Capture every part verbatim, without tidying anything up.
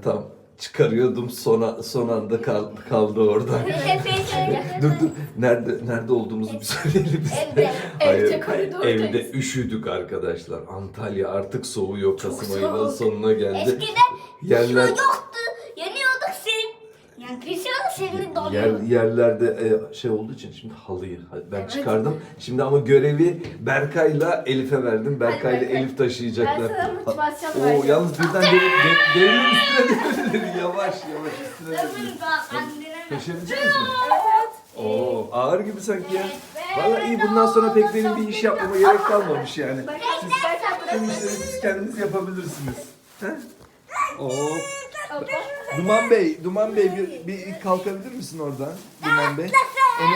tam çıkarıyordum, son, son anda kal, kaldı orada. dur dur, nerede nerede olduğumuzu bir söyleyelim biz. Evde. Hayır, Evde, koridordayız. evde üşüdük arkadaşlar. Antalya artık soğuyor, Kasım ayının soğuk. sonuna geldi. Eskiden Yerler su yoktu. Yanıyorduk senin. Yani kışın senin donuyor. yer, yerlerde e, şey olduğu için şimdi halıyı ben çıkardım. Şimdi ama görevi Berkay'la Elif'e verdim. Berkay'la Berkay. Elif taşıyacaklar. Ben sana motivasyon Oo, vereceğim. yalnız birden dev, dev, devrin üstüne devrilir. Yavaş yavaş üstüne devrilir. Taşıyabilecek misin? Evet evet. Oo, ağır gibi sanki ya. Evet. Vallahi iyi, bundan sonra pek benim bir iş yapmama gerek kalmamış yani. Berkay, Berkay Tüm burası. işleri siz kendiniz yapabilirsiniz. He? Oo. Hoppa. Duman Bey, Duman Bey bir, bir kalkabilir misin oradan? Duman Bey. Onu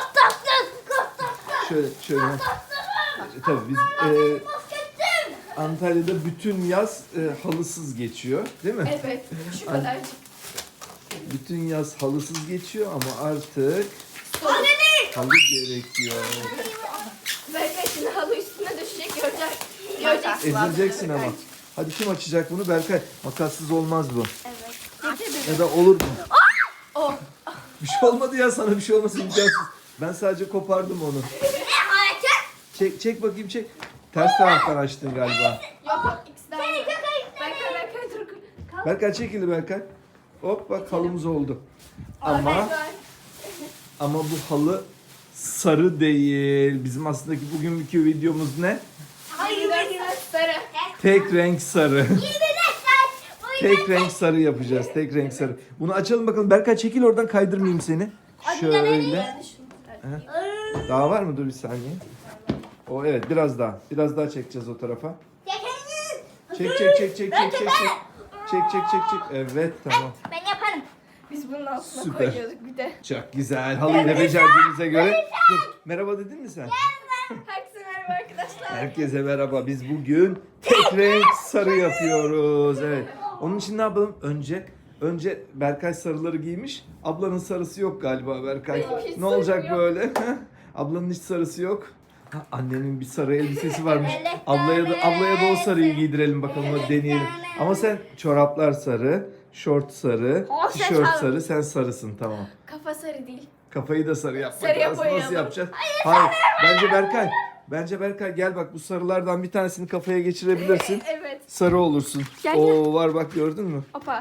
şöyle şöyle. Tabii biz e, Antalya'da bütün yaz e, halısız geçiyor, değil mi? Evet. Şu kadar. Bütün yaz halısız geçiyor ama artık halı gerekiyor. Berkay şimdi halı üstüne düşecek görecek. Göreceksin. Ezileceksin ama. Hadi kim açacak bunu? Berkay. Makassız olmaz bu. Getir Ya da olur mu? Oh. Bir şey olmadı ya, sana bir şey olmasın imkansız. Ben sadece kopardım onu. Çek çek bakayım, çek. Ters taraftan açtın galiba. Yok yok ikisi de aynı. Berkay Berkay dur. Kalk. Berkay çekildi Berkay. Hop bak halımız oldu. Aa, Ama Berkay. ama bu halı sarı değil. Bizim aslında bugünkü videomuz ne? Hayır Berkay sarı. Tek renk sarı. Tek renk sarı yapacağız. Tek renk sarı. Bunu açalım bakalım. Berkay çekil oradan, kaydırmayayım seni. Şöyle. Yani şunu. Evet. Daha var mı? Dur bir saniye. O evet, biraz daha. Biraz daha çekeceğiz o tarafa. Çek çek çek çek çek çek çek. Çek çek çek çek. Evet tamam. Ben yaparım. Biz bunun altına Süper. koyuyorduk bir de. Çok güzel. Halıyı da becerdiğimize göre. Dur, merhaba dedin mi sen? Herkese merhaba arkadaşlar. Herkese merhaba. Biz bugün tek renk sarı yapıyoruz. Evet. Onun için ne yapalım? Önce önce Berkay sarıları giymiş. Ablanın sarısı yok galiba Berkay. Benim hiç Ne olacak sarım yok. böyle? Ablanın hiç sarısı yok. Ha, annenin bir sarı elbisesi varmış. Evet, Ablaya da ablaya da o sarıyı evet. giydirelim bakalım, hadi deneyelim. evet. Ama sen çoraplar sarı, şort sarı, O, sen tişört sarı. sarı, sen sarısın, tamam. Kafa sarı değil. Kafayı da sarı yapmak Sarıya lazım. Nasıl boyayalım. yapacağız? Hayır. Bence Berkay. Bence Berkay gel bak, bu sarılardan bir tanesini kafaya geçirebilirsin. Evet. Sarı olursun. Gel, gel. Oo var bak, gördün mü? Hopa.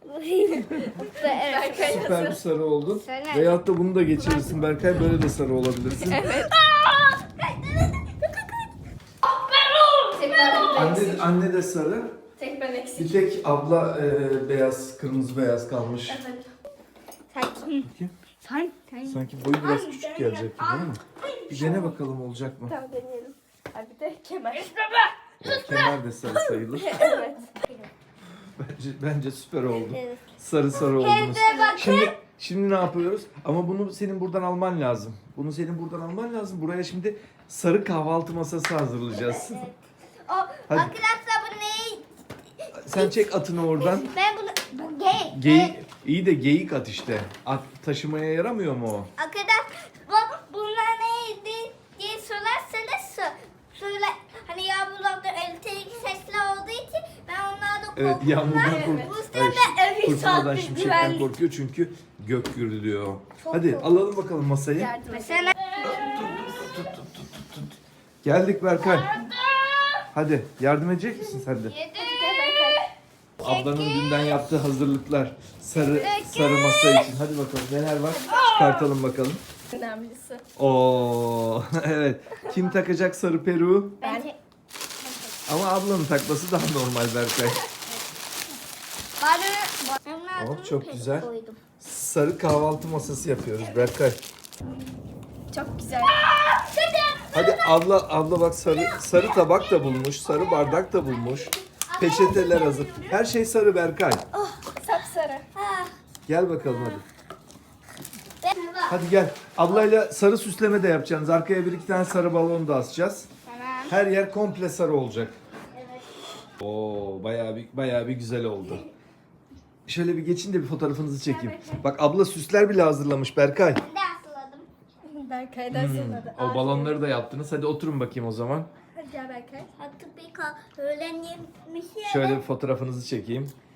Evet. Berkay Süper bir nasıl? sarı oldu. Sarı. Veyahut da bunu da geçirirsin Berkay, böyle de sarı olabilirsin. Evet. Anne, anne de sarı. Tek ben eksik. Bir tek abla e, beyaz, kırmızı beyaz kalmış. Evet. Bakayım. Sen, sen. Sanki boyu biraz küçük gelecek gibi, değil mi? Bir dene bakalım olacak mı? Tamam deneyelim. Abi bir de kemer. Kemer de sarı sayılır. Evet. Bence, bence süper oldu. Evet. Sarı sarı oldunuz. Evde bakın. Şimdi şimdi ne yapıyoruz? Ama bunu senin buradan alman lazım. Bunu senin buradan alman lazım. Buraya şimdi sarı kahvaltı masası hazırlayacağız. O Hadi. arkadaşlar bu ne? Sen çek atını oradan. Ben bunu bu gay. Geyik, iyi de geyik at işte. At taşımaya yaramıyor mu o? Arkadaş bu bunlar neydi diye sorarsanız sor. Söyle hani yağmurlarda elektrik sesli olduğu için ben onlardan Evet, korkuyorum. yağmurdan Evet. kork. Bu sırada Hayır, evi fırtınadan, sattı, şimşekten güvenlik. korkuyor çünkü gök gürülüyor. Çok Hadi kork- alalım bakalım masayı. Yardım et. Mesela Geldik Berkay. Hadi yardım edecek misin sen de? Hadi gel Berkay. Ablanın dünden yaptığı hazırlıklar. Sarı sarı masa için. Hadi bakalım neler var? Çıkartalım bakalım. Önemlisi. Oo evet. Kim takacak sarı peruğu? Ben. Ama ablanın takması daha normal Berkay. bana Oh, çok güzel. koydum. Sarı kahvaltı masası yapıyoruz Berkay. Çok güzel. Hadi abla abla bak, sarı sarı tabak da bulmuş, sarı bardak da bulmuş. Peçeteler hazır. Her şey sarı Berkay. Sapsarı. Ha. Gel bakalım hadi. Ben- Hadi gel. Ablayla sarı süsleme de yapacaksınız. Arkaya bir iki tane sarı balon da asacağız. Tamam. Her yer komple sarı olacak. Evet. Oo bayağı bir bayağı bir güzel oldu. Şöyle bir geçin de bir fotoğrafınızı çekeyim. Bak abla süsler bile hazırlamış Berkay. Ben de asıladım. Berkay'dan sonra da. O balonları da yaptınız. Hadi oturun bakayım o zaman. Hadi gel Berkay. Hatta bir kal öğlen yemiş ya. Şöyle bir fotoğrafınızı çekeyim.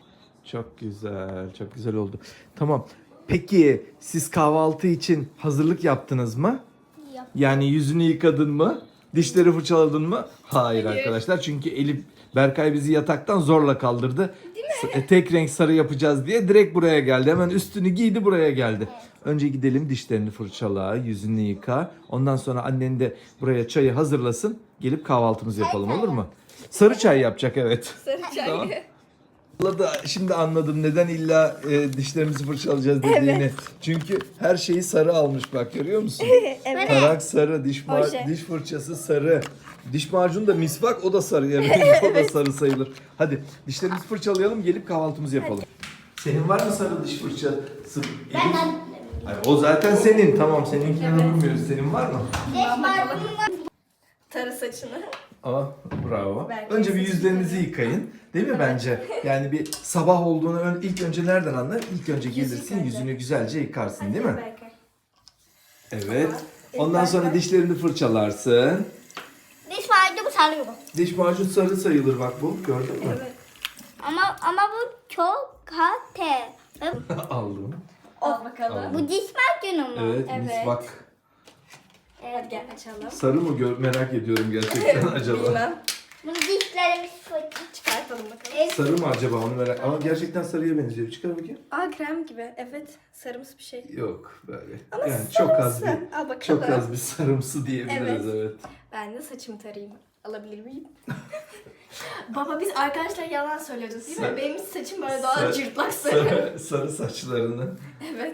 Çok güzel, çok güzel oldu. Tamam. Peki siz kahvaltı için hazırlık yaptınız mı? Yap. Yani yüzünü yıkadın mı? Dişleri fırçaladın mı? Hayır Hayır. arkadaşlar. Çünkü Elif, Berkay bizi yataktan zorla kaldırdı. S- Tek renk sarı yapacağız diye direkt buraya geldi. Hemen üstünü giydi, buraya geldi. Önce gidelim, dişlerini fırçala, yüzünü yıka. Ondan sonra annen de buraya çayı hazırlasın. Gelip kahvaltımızı yapalım, olur mu? Sarı çay yapacak, evet. Sarı çay. Tamam. Valla da şimdi anladım neden illa e, dişlerimizi fırçalayacağız dediğini. Çünkü her şeyi sarı almış, bak görüyor musun? Evet. Tarak sarı, diş ma- Oje. diş fırçası sarı. Diş macunu da misvak, o da sarı. Evet, o da sarı sayılır. Hadi dişlerimizi fırçalayalım, gelip kahvaltımızı yapalım. Senin var mı sarı diş fırçası? Ben Elif? de Hayır, o zaten senin. Tamam, seninkini Evet. bilmiyoruz. Senin var mı? diş macunu Tarı saçını. Aa, bravo. Belki Önce bir seçim yüzlerinizi tabii. yıkayın. Değil mi bence? Yani bir sabah olduğunu ön- ilk önce nereden anlar? İlk önce gelirsin, yıkayacak. yüzünü güzelce yıkarsın, değil mi? Berkay. Evet. Tamam. Ondan sonra Berkay. dişlerini fırçalarsın. diş macunu sarıyorum. Diş macun sarı sayılır bak bu. Gördün mü? Evet. Ama ama bu çok kate. Aldım. Al bakalım. Al. Bu diş macunu mu? Evet, Evet. misvak. Hadi gel açalım. Sarı mı gör merak ediyorum gerçekten acaba. Bilmem. Bunu dişlerimiz fırça. Çıkartalım bakalım. Evet. Sarı mı acaba onu merak. Ama gerçekten sarıya benziyor. Çıkar bakayım. Aa krem gibi. Evet. Sarımsı bir şey. Yok böyle. Ama yani çok az sarımsı. bir Al bakalım. çok az bir sarımsı diyebiliriz, Evet. evet. Ben de saçımı tarayayım. Alabilir miyim? Baba biz arkadaşlar yalan söylüyoruz değil Sar- mi? Benim saçım böyle doğal Sar- cırtlak sarı. Sarı, sarı saçlarını. Evet.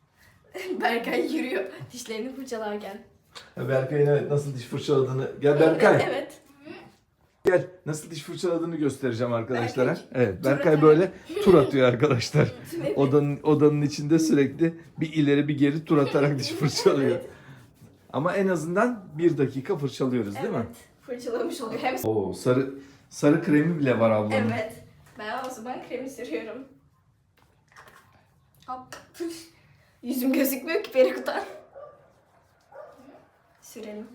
Berkay yürüyor dişlerini fırçalarken. Berkay'ın evet nasıl diş fırçaladığını. Gel Berkay. Evet. Gel. Nasıl diş fırçaladığını göstereceğim arkadaşlara. Berkay, Evet. tur Berkay atar. böyle tur atıyor arkadaşlar. Evet. Odanın odanın içinde sürekli bir ileri bir geri tur atarak diş fırçalıyor. Ama en azından bir dakika fırçalıyoruz değil mi? Evet. Fırçalamış oluyor. Hem Oo, sarı sarı kremi bile var ablanın. Evet. Ben o zaman kremi sürüyorum. Hop. Yüzüm gözükmüyor ki peruktan. Sürelim.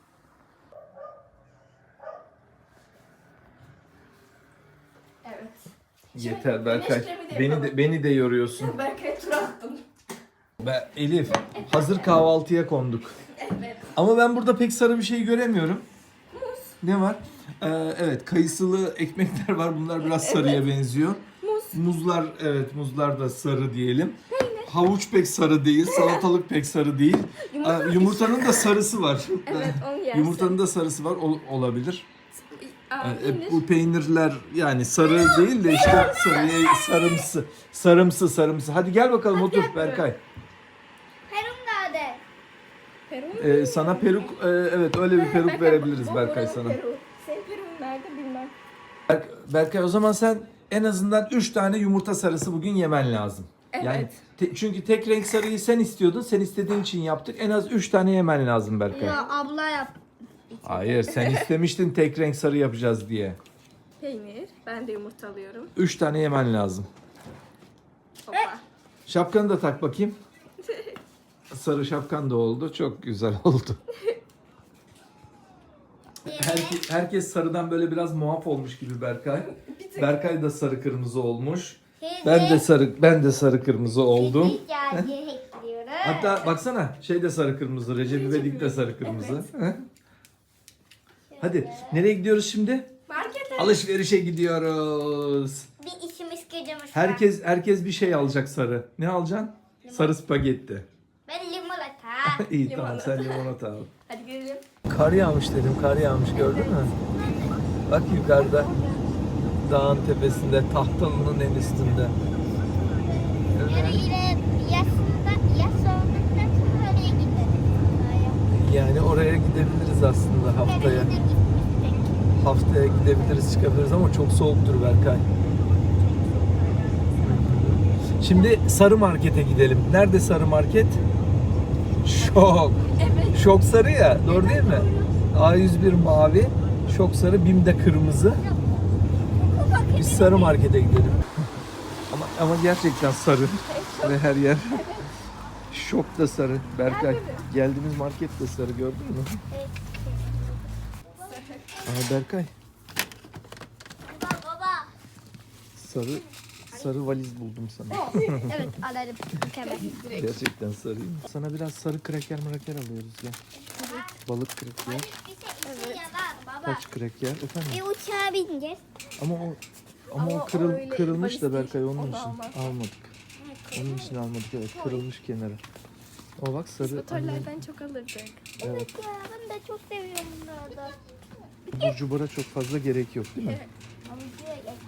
Evet. Yeter Berkay. güneş kremi de Beni yapalım. de beni de yoruyorsun. Berkay'a tur attım. Ben, Elif, hazır kahvaltıya konduk. Evet. Ama ben burada pek sarı bir şey göremiyorum. Ne var? Ee, evet, kayısılı ekmekler var. Bunlar biraz sarıya benziyor. Muz. Muzlar, evet muzlar da sarı diyelim. Havuç pek sarı değil, salatalık pek sarı değil. Yumurta Aa, Yumurtanın da sarısı var. Evet, onu yersin. Yumurtanın da sarısı var, ol- olabilir. Aa, Ee, yenir. bu peynirler yani sarı değil de işte sarıya sarımsı, sarımsı, sarımsı. Hadi gel bakalım otur gel Berkay. Perum nerede? Peru mu? Ee, sana peruk, e, evet öyle bir peruk Berkay, verebiliriz bu Berkay buranın sana. Peru. Senin Peru'nun nerede bilmem. Berk- Berkay o zaman sen en azından üç tane yumurta sarısı bugün yemen lazım. Yani Evet. te- çünkü tek renk sarıyı sen istiyordun. Sen istediğin için yaptık. En az üç tane yemen lazım Berkay. Ya abla yap. Hayır, sen istemiştin tek renk sarı yapacağız diye. Peynir. Ben de yumurta alıyorum. Üç tane yemen lazım. Hoppa. Şapkanı da tak bakayım. Sarı şapkan da oldu. Çok güzel oldu. Herkes, herkes sarıdan böyle biraz muaf olmuş gibi Berkay. Berkay da sarı kırmızı olmuş. Ben de sarı ben de sarı kırmızı oldum. Ekliyoruz. Hatta baksana şey de sarı kırmızı. Recep İvedik de sarı kırmızı. Hı? Hadi nereye gidiyoruz şimdi? Markete. Alışverişe gidiyoruz. Bir işimiz gücümüz var. Herkes herkes bir şey alacak sarı. Ne alacaksın? Sarı spagetti. Ben limonata. İyi Limonata. tamam sen limonata al. Hadi gidelim. Kar yağmış dedim, kar yağmış gördün mü? Bak yukarıda dağın tepesinde, Tahtalı'nın en üstünde. Yarın Evet. yine yasında, yas olduktan sonra oraya gideriz. Yani oraya gidebiliriz aslında haftaya. Nereye de gitmiştik. Haftaya gidebiliriz, çıkabiliriz ama çok soğuktur Berkay. Şimdi Sarı Market'e gidelim. Nerede Sarı Market? Şok. Evet. Şok sarı ya, doğru değil mi? A yüz bir mavi, Şok sarı, BİM'de kırmızı. Biz Sarı Market'e gidelim. Ama ama gerçekten sarı ve her yer. Şok da sarı. Berkay, geldiğimiz market de sarı, gördün mü? Evet. Aa Berkay, Baba baba. sarı Sarı valiz buldum sana. Evet alırım. Mükemmel. Gerçekten sarıyım. Sana biraz sarı kraker mraker alıyoruz ya. Balık kraker. Bir şey işe yarar baba. Kaç kraker? Efendim? Bir uçağa bineceğiz. Ama o ama, Ama o o kırıl, öyle kırılmış da valiz Berkay değil. onun Onu için almaz. almadık. Onun için almadık evet kırılmış kenarı. O bak sarı anne, Motorlardan çok alırdık. Evet ya ben de çok seviyorum bunları. abur cubura çok fazla gerek yok değil mi? Ama diyor ya.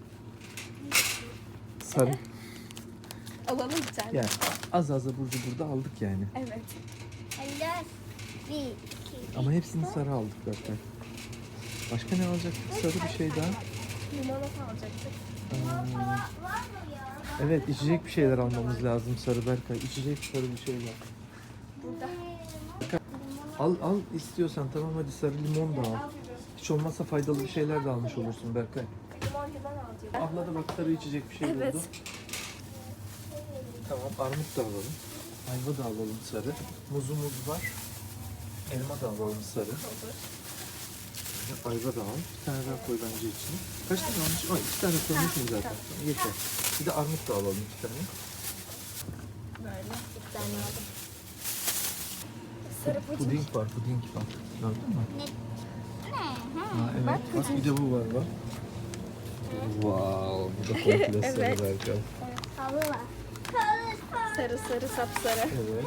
Sarı. Alalım bir tane. Yani az az abur cubur da aldık yani. Evet. Allah. Bir, iki. Ama hepsini sarı aldık Berkay. Başka ne alacaktık? Sarı bir şey daha. Limonata alacaktık. Aa, Var mı ya? evet içecek bir şeyler almamız lazım sarı Berkay. İçecek sarı bir şey var. Burada. Al al istiyorsan tamam hadi sarı limon da al. Hiç olmazsa faydalı bir şeyler de almış olursun Berkay. Limon limon alacağım. Abla da bak sarı içecek bir şey Evet. buldu. Tamam armut da alalım. Ayva da alalım sarı. Muzumuz var. Elma da alalım sarı. Olur. Ayva da al. Bir tane daha koy bence içine. Kaç tane almış? Ay iki tane koymuşum zaten. Yeter. Bir de armut da alalım iki tane. Böyle. Bir tane aldım. Sarı puding. Puding var, puding var. Gördün mü? Ne? Ha, evet. Bak, bir de bu var bak. Wow, bu da komple sarı Evet. Berkay. Halı var. Halı sarı. Sarı sarı sapsarı. Evet.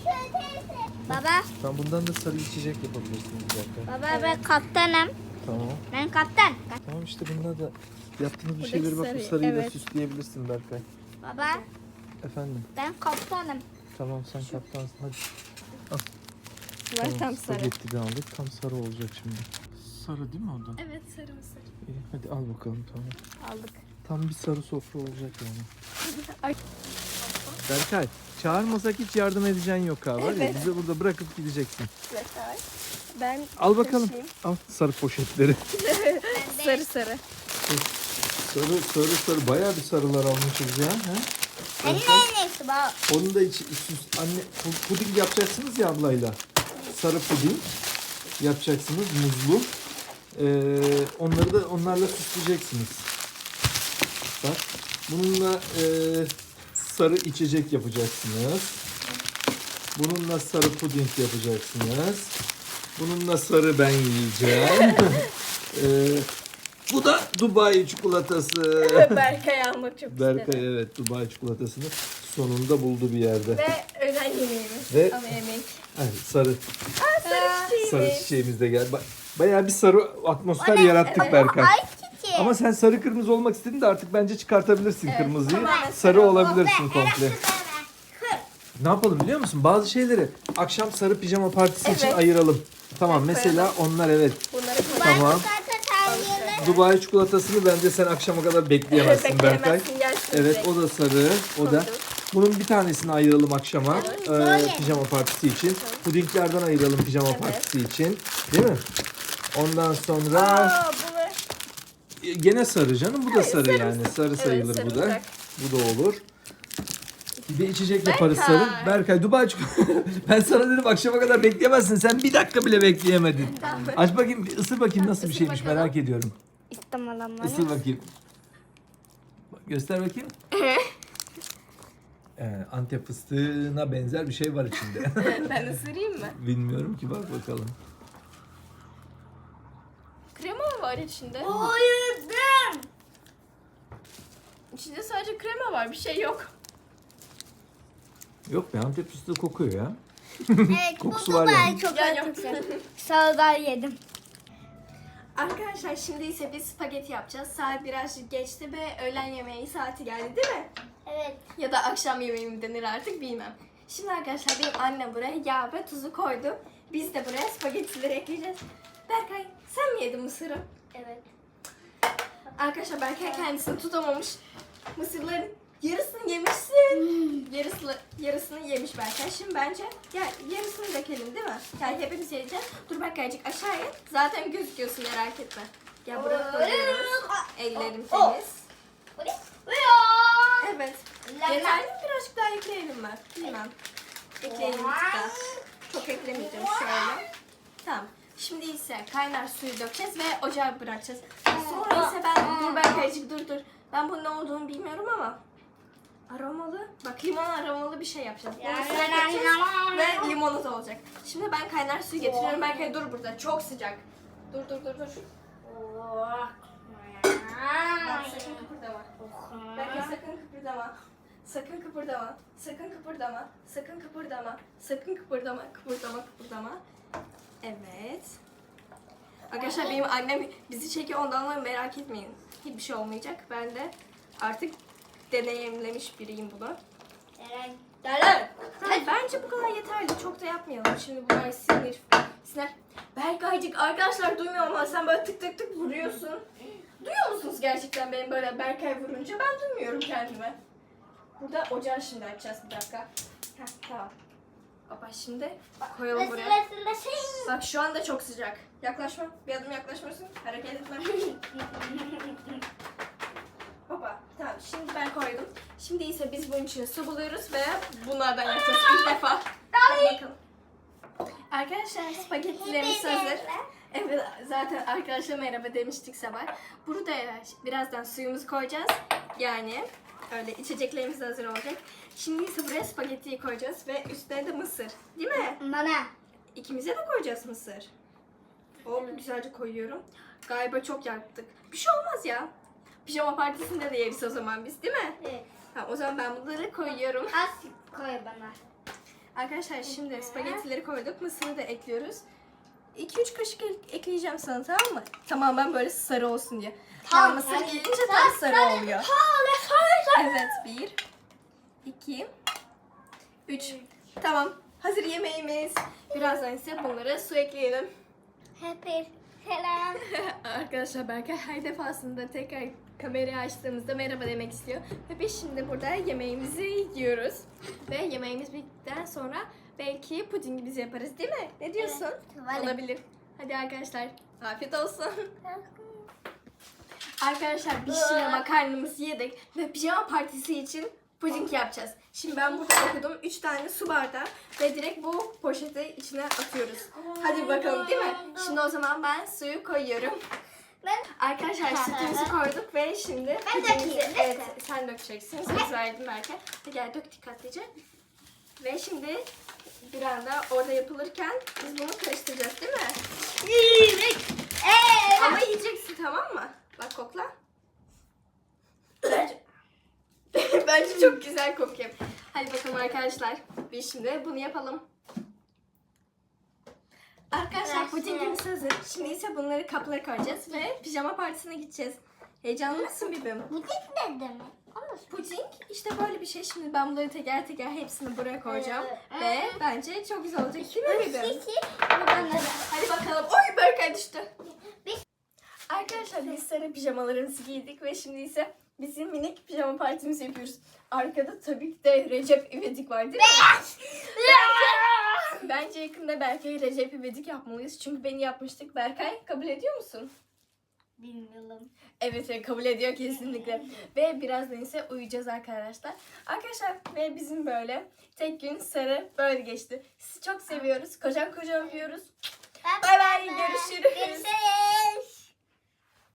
Baba, Tamam bundan da sarı içecek yapabilirsiniz Berkay. baba ben kaptanım. Tamam. Ben kaptan. Tamam işte bunda da yaptığınız bir Buradaki şeyleri bak bu sarı, sarıyla evet. süsleyebilirsin Berkay. Baba, Efendim. ben kaptanım. Tamam sen kaptansın hadi. Bunlar tam sarı. Spagetti de aldık. Tam sarı olacak şimdi. Sarı değil mi o da? Evet sarı mısır. İyi, hadi al bakalım tamam. Aldık. Tam bir sarı sofra olacak yani. Ay. Berkay çağırmasak hiç yardım edeceğin yok ha var ya Evet. bizi burada bırakıp gideceksin. Yeter. Ben Al bakalım. taşıyayım. Al sarı poşetleri. Sarı sarı. sarı sarı sarı bayağı bir sarılar almışız ya. He? Anne neyse baba. Onun da içi süs anne pu- puding yapacaksınız ya ablayla. Sarı puding yapacaksınız muzlu. Ee, onları da onlarla süsleyeceksiniz. Bak bununla e, sarı içecek yapacaksınız. Bununla sarı puding yapacaksınız. Bununla sarı ben yiyeceğim. Ee, bu da Dubai çikolatası. Berkay almak çok Berkay istedi. evet Dubai çikolatasını sonunda buldu bir yerde. Ve öğlen yemeğimiz. Ve- Ana yemek. Evet, sarı Aa, sarı çiçeğimiz. sarı çiçeğimiz de geldi. Ba- Bayağı bir sarı atmosfer yarattık Berkay. Ay çiçeği. Ama sen sarı kırmızı olmak istedin de artık bence çıkartabilirsin Evet, kırmızıyı. tamamen Sarı sarı olabilirsin komple. Ne yapalım biliyor musun? Bazı şeyleri akşam sarı pijama partisi için Evet. ayıralım. Tamam Evet, mesela onlar evet. Bunları Tamam. Tamam. Dubai çikolatasını bence sen akşama kadar bekleyemezsin Berkay. bekleyemezsin, gelsin Evet direkt. o da sarı. O da. Koyduk. Bunun bir tanesini ayıralım akşama. Evet. Ee, Böyle. pijama partisi için. Pudinglerden ayıralım pijama Evet. partisi için. Değil mi? Ondan sonra Aa, bunu e, gene sarı canım. Bu da sarı sarımsak. yani. Sarı Evet, sayılır bu da. sarımsak. Bu da olur. Bir de içecek yaparız Berkay. sarı. Berkay Dubai çikolatası. Ben sana dedim akşama kadar bekleyemezsin. Sen bir dakika bile bekleyemedin. Tamam. Aç bakayım, bir ısır bakayım nasıl bir Isır şeymiş bakalım. merak ediyorum. İstemem Isır bakayım. Bak, göster bakayım. Ee, Antep fıstığına benzer bir şey var içinde. Ben ısırayım mı? Bilmiyorum ki bak bakalım. Krema mı var içinde? Uyudum. İçinde sadece krema var, bir şey yok. Yok be Antep fıstığı kokuyor ya. Evet, Kokusu bu var Dubai yani. çok Ya, yok. kötü. Sağdan yedim. Arkadaşlar şimdi ise biz spagetti yapacağız. Saat birazcık geçti ve öğlen yemeği saati geldi değil mi? Evet. Ya da akşam yemeği mi denir artık bilmem. Şimdi arkadaşlar benim annem buraya yağ ve tuzu koydu. Biz de buraya spagettileri ekleyeceğiz. Berkay sen mi yedin mısırı? Evet. Arkadaşlar Berkay kendisini tutamamış. Mısırların yarısını yemişsin. Yarısını, yarısını yemiş Berkay. Şimdi bence ya yarısını dökelim değil mi? Yani hepimiz yiyeceğiz. Dur Berkaycık aşağı in. Zaten gözüküyorsun merak etme. Ya buraya koyuyoruz. Ellerim temiz. Evet. Yeterli mi? Birazcık daha ekleyelim mi? Bilmem. Ekleyelim bir tık daha. Çok eklemeyeceğim şöyle. Tamam. Şimdi ise kaynar suyu dökeceğiz ve ocağa bırakacağız. Sonra ise ben dur Berkaycık dur dur. Ben bunun ne olduğunu bilmiyorum ama aromalı. Bak limon aromalı bir şey yapacağız. Bunu Ya, sıra ya, ya, katacağız ya. ve limonata olacak. Şimdi ben kaynar suyu getiriyorum. Berkay dur burada. Çok sıcak. Dur dur dur dur. Bak sakın kıpırdama. Berkay sakın kıpırdama. Sakın kıpırdama. Sakın kıpırdama. Sakın kıpırdama. Sakın kıpırdama. Kıpırdama kıpırdama. Evet. Arkadaşlar benim annem bizi çekiyor, ondan dolayı merak etmeyin. Hiçbir şey olmayacak. Ben de artık deneyimlemiş biriyim bunu. Hayır, bence bu kadar yeterli. Çok da yapmayalım. Şimdi bunlar sinir. Sinir. Berkaycık arkadaşlar duymuyor ama sen böyle tık tık tık vuruyorsun. Duyuyor musunuz gerçekten benim böyle Berkay vurunca? Ben duymuyorum kendime. Burada ocağı şimdi açacağız bir dakika. Heh, tamam. Baba şimdi koyalım buraya. Bak şu anda çok sıcak. Yaklaşma. Bir adım yaklaşmasın. Hareket etme. Baba tamam şimdi ben koydum. Şimdi ise biz bunun içine su buluyoruz ve bunlardan yapacağız ilk defa. Hadi bakalım. Arkadaşlar spagettilerimiz hazır. Evet zaten arkadaşlar merhaba demiştik sabah. Burada birazdan suyumuzu koyacağız. Yani öyle içeceklerimiz de hazır olacak. Şimdi ise buraya spagettiyi koyacağız ve üstüne de mısır. Değil mi? Bana. İkimize de koyacağız mısır. Hop güzelce koyuyorum. Galiba çok yaptık. Bir şey olmaz ya. Pijama partisinde de yeriz o zaman biz değil mi? Evet. Tamam o zaman ben bunları koyuyorum. Az koy bana. Arkadaşlar şimdi spagettileri koyduk. Mısırı da ekliyoruz. iki üç kaşık ek- ekleyeceğim sana tamam mı? Tamamen böyle sarı olsun diye. Tamam, Ya mısır yani gelince sarı- tam sarı sarı- oluyor. Sarı sarı. Evet bir, iki, üç. Tamam. Hazır yemeğimiz. Birazdan ise bunlara su ekleyelim. Hep selam. Arkadaşlar Berkay her defasında tekrar kamerayı açtığımızda merhaba demek istiyor. Ve biz şimdi burada yemeğimizi yiyoruz. Ve yemeğimiz bittikten sonra belki pudingimizi yaparız değil mi? Ne diyorsun? Evet, varım. Olabilir. Hadi arkadaşlar afiyet olsun. Arkadaşlar biz şimdi makarnamızı yedik ve pijama partisi için puding yapacağız. Şimdi ben burada okudum. üç tane su bardağı ve direkt bu poşeti içine atıyoruz. Hadi bakalım değil mi? Şimdi o zaman ben suyu koyuyorum. Ben Arkadaşlar sütümüzü koyduk ve şimdi Ben pudingimizi- dökeyim, değil mi? Evet sen dökeceksin. Söz verdim belki. Hadi gel dök dikkatlice. Ve şimdi bir anda orada yapılırken biz bunu karıştıracağız değil mi? Eee. Ama yiyeceksin tamam mı? Bak kokla. Bence, Bence çok güzel kokuyor. Hadi bakalım arkadaşlar. Biz şimdi bunu yapalım. Arkadaşlar pudingimiz hazır. Şimdi ise bunları kaplara koyacağız ve pijama partisine gideceğiz. Heyecanlı mısın bebeğim? Bu tek ne demek? Anlasın. Puding işte böyle bir şey. Şimdi ben bunları teker teker hepsini buraya koyacağım. Evet. Ve bence çok güzel olacak değil mi bebeğim? Sisi. Buradan da. Hadi bakalım. Oy Berkay düştü. Biz- Arkadaşlar biz sarı pijamalarımızı giydik ve şimdi ise bizim minik pijama partimizi yapıyoruz. Arkada tabii ki de Recep İvedik var değil mi? Bence, bence yakında Berkay Recep İvedik yapmalıyız. Çünkü beni yapmıştık. Berkay kabul ediyor musun? Bilmiyorum. Evet evet, kabul ediyor kesinlikle. Ve birazdan ise uyuyacağız arkadaşlar. Arkadaşlar ve bizim böyle tek gün sarı böyle geçti. Sizi çok seviyoruz. Kocaman kocaman öpüyoruz. Bay bay, görüşürüz. Görüşürüz.